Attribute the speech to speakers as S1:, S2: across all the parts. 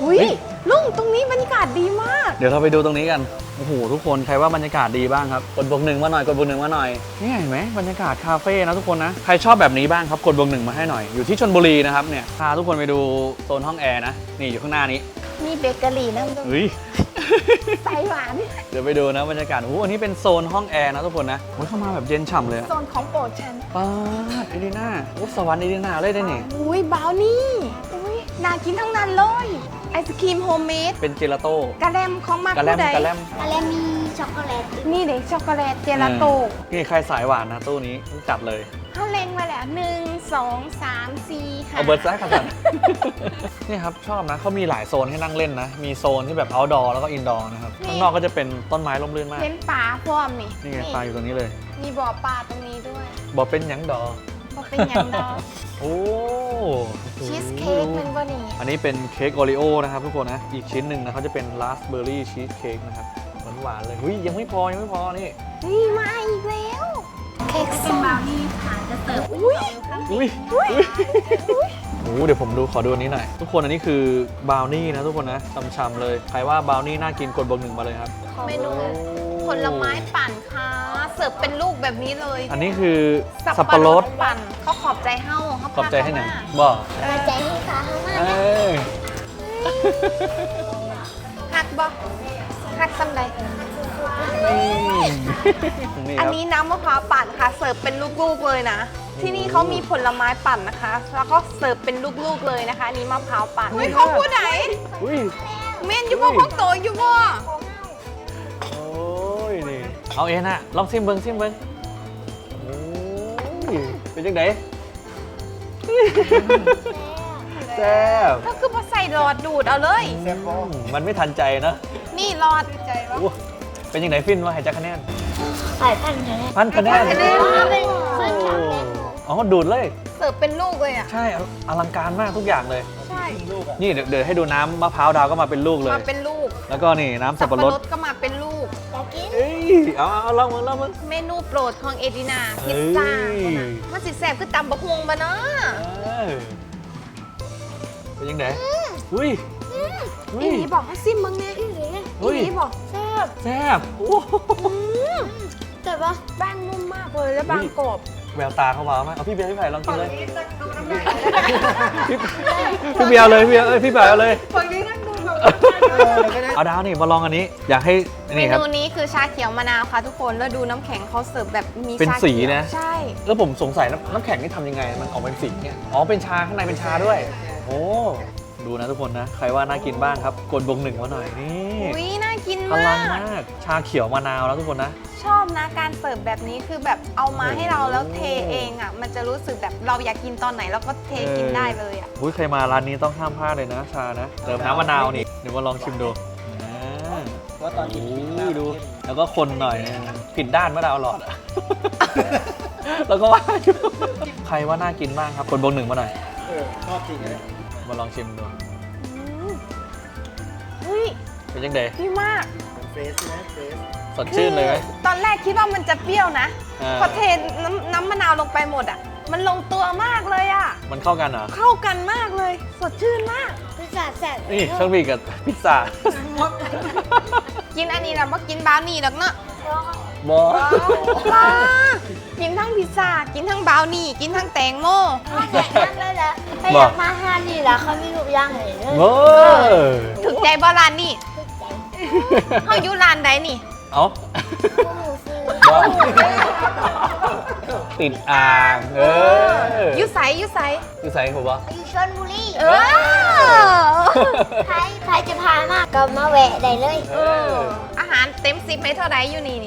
S1: อุ้ยลุงตรงนี้บรรยากาศดีมาก
S2: เดี๋ยวเราไปดูตรงนี้กันโอ้โหทุกคนใครว่าบรรยากาศดีบ้างครับกดบวกหนึ่งมาหน่อยกดบวกหนึ่งมาหน่อยนี่เห็นไหมบรรยากาศคาเฟ่นะทุกคนนะใครชอบแบบนี้บ้างครับกดบวกหนึ่งมาให้หน่อยอยู่ที่ชลบุรีนะครับเนี่ยพาทุกคนไปดูโซนห้องแอร์นะนี่อยู่ข้างหน้านี้
S1: มีเบเกอรี่นะลุง
S2: เฮ้ย
S1: ไส้หวาน
S2: เดี๋ยวไปดูนะบรรยากาศโอ้โหอันนี้เป็นโซนห้องแอร์นะทุกคนนะโอ้ยเข้ามาแบบเย็นฉ่ำเลยอะ
S1: โซนของโปรดฉัน
S2: ป๊าดเอดีน่าโอ้สวรรค์เอดีน่าเลยได้นี่
S1: อุ้ยบราวนี่อุ้ยน่ากินทั้งนั้นเลยไอศครีมโฮมเมด
S2: เป็นเจลาโต้
S1: กะแลมของมาก
S2: กะแลม
S1: ผู้ใด
S2: กะแลม
S3: อะไรมีช็อกโกแลต
S1: นี่เด็กช็อกโกแลตเจลาโต้
S2: นี่ใครสายหวานนะตู้นี้จัดเลย
S1: เขาเล็งไว้แล้ว1 2 3 4 5
S2: เอาเบิร์ดแซกกัน นี่ครับชอบนะเขามีหลายโซนให้นั่งเล่นนะมีโซนที่แบบ outdoor แล้วก็ indoor นะครับข้างนอกก็จะเป็นต้นไม้ร่มรื่นมาก
S1: เห็นปลาพร้อมนี่
S2: นี่ไงปลาอยู่ตรงนี้เลย
S1: มีบ่อปลาตรงนี้ด้วย
S2: บอกเป็นหยังดอ
S1: ก็เป็นอย่างดอก
S2: โอ้
S1: ชีสเค้กมันบ่นี่
S2: อันนี้เป็นเค้กโอริโอนะครับทุกคนนะอีกชิ้นหนึ่งนะเขาจะเป็นราสเบอร์รี่ชีสเค้กนะครับหวานๆเลยหุ้ยยังไม่พอนี่
S1: นี่มาอีกแล้ว เค้กส้ม
S2: อุ้ยอุ้ยโอ้เดี๋ยวผมขอดูอันนี้หน่อยทุกคนอันนี้คือบราวนี่นะทุกคนนะช่ำๆเลยใครว่าบราวนี่น่ากินกดบวกหนึ่งมาเลยครับ
S1: เมนูผลไม้ปั่นค่ะเสิร์ฟเป็นลูกแบบนี้เลย
S2: อันนี้คือสับปะรด
S1: ปั่นเขาขอบใจเฮ้าเขา
S2: ขอบใจให้หนัง
S1: พา
S2: บอก
S3: มาใจให้ขาข้างหน้า
S2: เอ้ย
S1: หักบ่หักซ้ำใด
S2: นี่
S1: อัน
S2: ครับ
S1: นี้น้ำมะพร้าวปั่นค่ะ เสิร์ฟเป็นลูกๆเลยนะ ที่นี่เขามีผลไม้ปั่นนะคะ แล้วก็เสิร์ฟเป็นลูกๆเลยนะคะอันนี้มะพร้าวปั่นเฮ้ยเขาพูดไหน
S2: อุ้ย
S1: เม่นอยู่บ่พวกโตอยู่บ่
S2: โอ้ยนี่เอาเองนะลองซิมเบิ้งโอ้ยเป็นยังไงแซ่บ
S1: ก็คือมาใส่หลอดดูดเอาเลย
S2: มันไม่ทันใจนะ
S1: นี่หลอดใจ
S2: โอ้เป็นยังไงฟินว่าให้จักคะแนน
S3: ใส่พันคะแนน
S2: พันคะแนน
S1: พันคะแนน
S3: เป็นขึ้นช็อกโกแลต
S2: อ๋อดูดเลย
S1: เสิร์ฟเป็นลูกเลยอ่ะ
S2: ใช่อลังการมากทุกอย่างเลย
S1: ใช่
S2: นี่เดี๋ยวให้ดูน้ำมะพร้าวดาวก็มาเป็นลูกเลย
S1: มาเป็นลูก
S2: แล้วก็นี่น้ำสับปะรด
S1: ก็มาเป็นลูก
S3: อยากกิน
S2: เอ้ยเอาลองมึง
S1: เมนูโปรดของเอดินาพิซซ่า
S2: เอ้ย
S1: มันสิแซ่บคือตำบะฮวงบะเนาะ
S2: เออเป็นยังไงอุ้ยอุ้
S1: อี
S2: ย
S1: นี้บอกให้ซิมมึงเนี่ยอี
S2: อุ้ย
S1: นี้บอกแซ่บ
S2: แซ่บโอ้โห
S3: แต่ว่า
S1: แป้งนุ่มมากเลยและบางกรอบ
S2: แววตาเขาว้าวมากเอาพี่เบียร์พี่ไผ่ลองกินเลยพี่เบียร์เลยพี่ไผ่เอาเลย
S1: ฝั่งนี้นั่งดูแบบ
S2: เอาดาวนี่มาลองอันนี้ อยากให้
S1: เม
S2: นี่ครับ
S1: นูนี้คือชาเขียวมะนาวค่ะทุกคนแล้วดูน้ำแข็งเขาเสิร์ฟแบบมี
S2: เป็น
S1: ชา
S2: สี
S1: ขียว
S2: นะ
S1: ใช่
S2: แล้วผมสงสัยน้ำแข็งนี่ทำยังไง มันออกเป็นสีเนี่ยอ๋อเป็นชาข้างในเป็นชาด้วย โอ้ดูนะทุกคนนะใครว่าน่ากินบ้างครับกดบวกหนึ่งมาหน่อยนี่
S1: อุ้ยน่ากิน
S2: พลั
S1: มาง ก
S2: มากชาเขียวมะนาวแล้วทุกคนนะ
S1: ชอบนะการเสิร์ฟแบบนี้คือแบบเอามาให้เราแล้วเทเองอ่ะมันจะรู้สึกแบบเราอยากกินตอนไหนเราก็เทกินได้เลยอ่ะ
S2: อุ้ยใครมาร้านนี้ต้องห้ามพลาดเลยนะชานะเติมน้ำมะนาวนี่เดี๋ยวมาลองชิมดูอ่า
S4: ว่าตอนนี้
S2: โอ้ยดู แล้วก็คนหน่อยนะผิดด้านมะนาวหลอดอะ แล้วก็ว่าอยู่ใครว่าน่ากินบ้างครับกดบวกหนึ่งมาหน่อย
S4: ชอบจริงเลย
S2: มาลองชิมดู
S1: เฮ้ย
S2: เป็นยังไง
S1: ดีมาก
S4: เป็นเฟสใช่ไหมเฟส
S2: สดชื่นเลยไหม
S1: ตอนแรกคิดว่ามันจะเปรี้ยวนะ
S2: อ่า
S1: พอเทน้ำมะนาวลงไปหมดอ่ะ มันลงตัวมากเลยอ่ะ
S2: มันเข้ากันเหรอ
S1: เข้ากันมากเลย สดชื่นมาก
S3: พิซซ่าแซ่บ
S2: นี่เครื่องบีกับพิซซ่า
S1: กินอันนี้แล้วมากินบราวนี่หรอกเนาะ
S2: บอ
S1: ว้ากินทั้งพิซซ่า กินทั้งบราวนี่ กินทั้งแตงโม
S3: แต่นั่นเลยแหละถ้าอยากมาห้านี่แหละเขามีทุกอย่างเลย
S2: โอ้
S1: ถึงใจบอร้านนี่เขาอยู่ร้านใดนี่
S2: เอา
S3: หมูฟู
S2: บอติดอ่าง
S1: อยู่ใสอยู่ใส
S2: อยู่ใส่ผมบอ
S3: อยู่ชลบุรี
S1: เออ
S3: ใครจะพามากก็มาแวะได้เลย
S1: อาหารเต็ม10ให้เท่าไหร่อยู่นี่นี่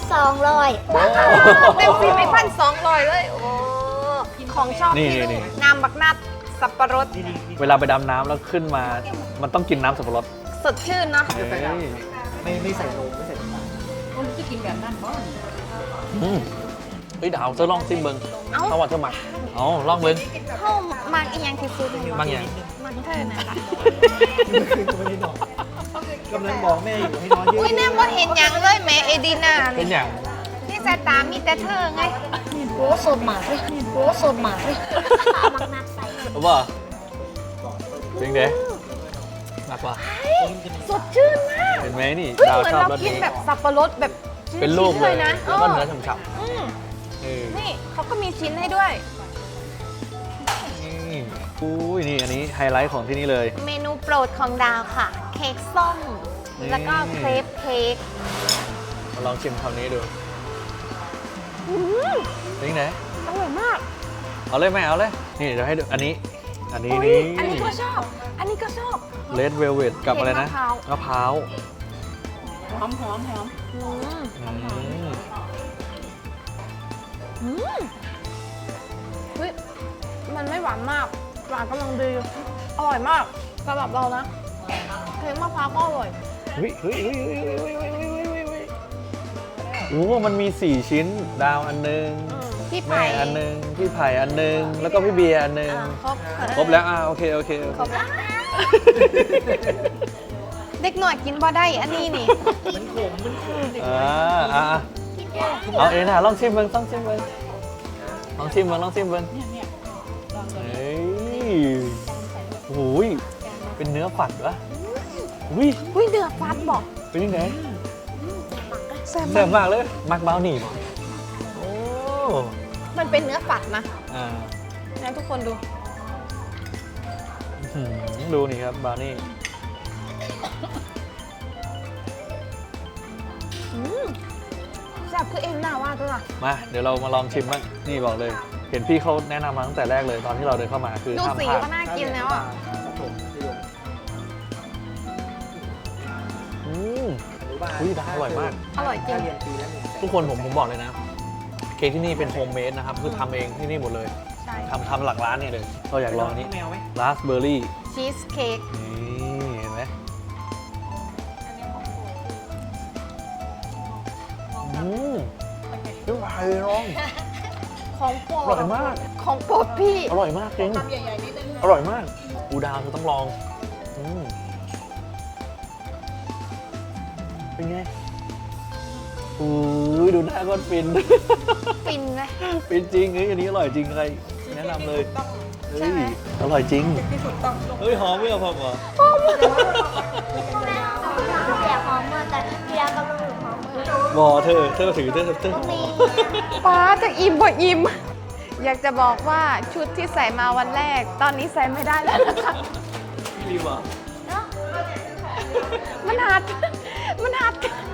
S3: 1,200
S1: เต็ม10ให้1,200เลย โอ้ของชอบที่ลูกน้ำบักนัดสับปะรด
S2: เวลาไปดำน้ำแล้วขึ้นมา มันต้องกินน้ำสับปะรด
S1: สดชื่นเนาะ
S2: เฮ้ย
S4: ไม่ใส่นมไม่ใส่น้ำตาล
S2: อืมเฮ้ยดาวเธอลองซิมเบิง
S1: เอ้า
S2: เอาว่าเธอหมักเอาลองเบิง
S1: เข้ามาอีกอย่างที่สุด
S2: บางอย่าง
S1: มันเธอน่ะล่ะ
S4: ไม่ได้นอนกำลังบอกแม่อยู่ให้นอนเยอะ
S1: อุ้ยแน่ว่าเห็นอย่างเลยแม่เอดีนา
S2: เป็นอย่าง
S1: นี่สายตามีแต่เธอไง
S3: โหสดมากเลยโหสดมากเลยมักนัดใส่
S2: รู้ป่ะจริงเด้หนักกว่า
S1: สดชื่นมาก
S2: เห็นไหมนี่
S1: เฮ้ย
S2: ดาว
S1: เหมือน
S2: ชอบ
S1: เรา
S2: รส
S1: กิน
S2: นี้
S1: แบบสับปะรดแบบชิ้
S2: เป็นลูก
S1: ๆ
S2: เลย
S1: นะ
S2: แล้วก็เนื้อ
S1: เออ
S2: ฉ่ำ
S1: อืม
S2: ๆเออ
S1: นี่เขาก็มีชิ้นให้ด้วย
S2: นี่อุ้ยนี่อันนี้ไฮไลท์ของที่นี่เลย
S1: เมนูโปรดของดาวค่ะ เค้กส้ม
S2: นี่
S1: แล้วก็เครปเค้ก
S2: มาลองชิมคำนี้ดู
S1: อืม
S2: นี่ไหน
S1: อร่อยมาก
S2: เอาเลยไหมเอาเลย นี่เดี๋ยวให้ดูอันนี้ อันนี้
S1: อุ๊ย
S2: นี่
S1: อันนี้ก็ชอบ อันนี้ก็ชอบ
S2: เลดเวลเวทกับอะไรนะ
S1: เค้กมะพร้าว
S2: มะพร้าว
S1: อืม
S2: อืม
S1: เฮ้ย มันไม่หวานมาก หวานกำลังดี อร่อยมากสำหรับเรานะ เค้กมะพร้าวก็อร่อย
S2: เฮ้ยเฮ้ยเฮ้ยเฮ้ยเฮ้ยเฮ้ยเฮ้ยเฮ้ยเฮ้ยโอ้มันมี 4 ชิ้น ดาวอันหนึง
S1: พี่
S2: แม่
S1: ไผ่
S2: อันหนึง พี่ไผ่อันหนึง แล้วก็พี่เบียร์อันหนึง
S1: ครบ
S2: ครบแล้วโอเค โอเค
S1: ครบแล้ว เด็กหน่อยกินบ่ได้ อันนี้นี่
S2: เอาเองนะลองชิมเบิ้งลองชิมเบิ้งลองชิมเบิ้งลองชิมเบิ้งเฮ้ยโอ้ยเป็นเนื้อฝัดวะอุ้ย
S1: อุ้ยเดือดฟัดบอก
S2: เป็นยังไง
S1: แซ่บ
S2: แซ่
S1: มา
S2: บ
S1: ก
S2: มากเลยมักเบาหนีบโอ้
S1: มันเป็นเนื้อฝัดนะ
S2: อ่า
S1: นะทุกคนดู
S2: อื้อหือดูนี่ครับบราวนี่
S1: แซ่บคือเอ็นหน้าว่าตัวน่ะ
S2: มาเดี๋ยวเรามาลองชิมบ้างนี่บอกเลย เห็นพี่เขาแนะนำมาตั้งแต่แรกเลยตอนที่เราเดินเข้ามาคือ
S1: ดู
S2: ห้าม
S1: สี
S2: พลาด
S1: ก็น่ากินแล้วอ่ะ
S2: อืมอุ้ยดาวอร่อยมาก
S1: อร่อยจริง
S4: เรียนปีละ100,000
S2: ทุกคนผมบอกเลยนะ เค้กที่นี่เป็นโฮมเมดนะครับ คือทำเองที่นี่หมดเลย
S1: ใช่
S2: ทำหลังร้านนี่เลยเราอยากลองอันนี้
S4: แมวไหม
S2: ราสเบอร์รี่
S1: ชีสเค้ก
S2: นี่เห็นไหมอืมเป็นไงน้อง
S1: ของโปร
S2: อ
S1: ด
S2: ร่อยมาก
S1: ของโปรดพี่
S2: อร่อยมากจริงอร่อยมากอูดาวเธอต้องลองอืมเป็นไงอุ้ยดูหน้าก้อนฟิน
S1: ฟินไหม
S2: ฟินจริงเฮ้ยอันนี้อร่อยจริงใครแนะนำเลยเฮ้ยอร่อยจริงเฮ้ยหอมไม่เอาพอเหรอ
S3: เสียหอมเมื่อแต่เบียร์กำลังอยู่หอมเมื่อ
S2: บอเธอถือเธอ
S3: มี
S1: ป้าจะอิ่มบ่อิ่ม อยากจะบอกว่าชุดที่ใส่มาวันแรก ตอนนี้ใส่ไม่ได้แล้วนะคะ
S2: พี่รีบอ่ะ
S1: มันหัด มันหัด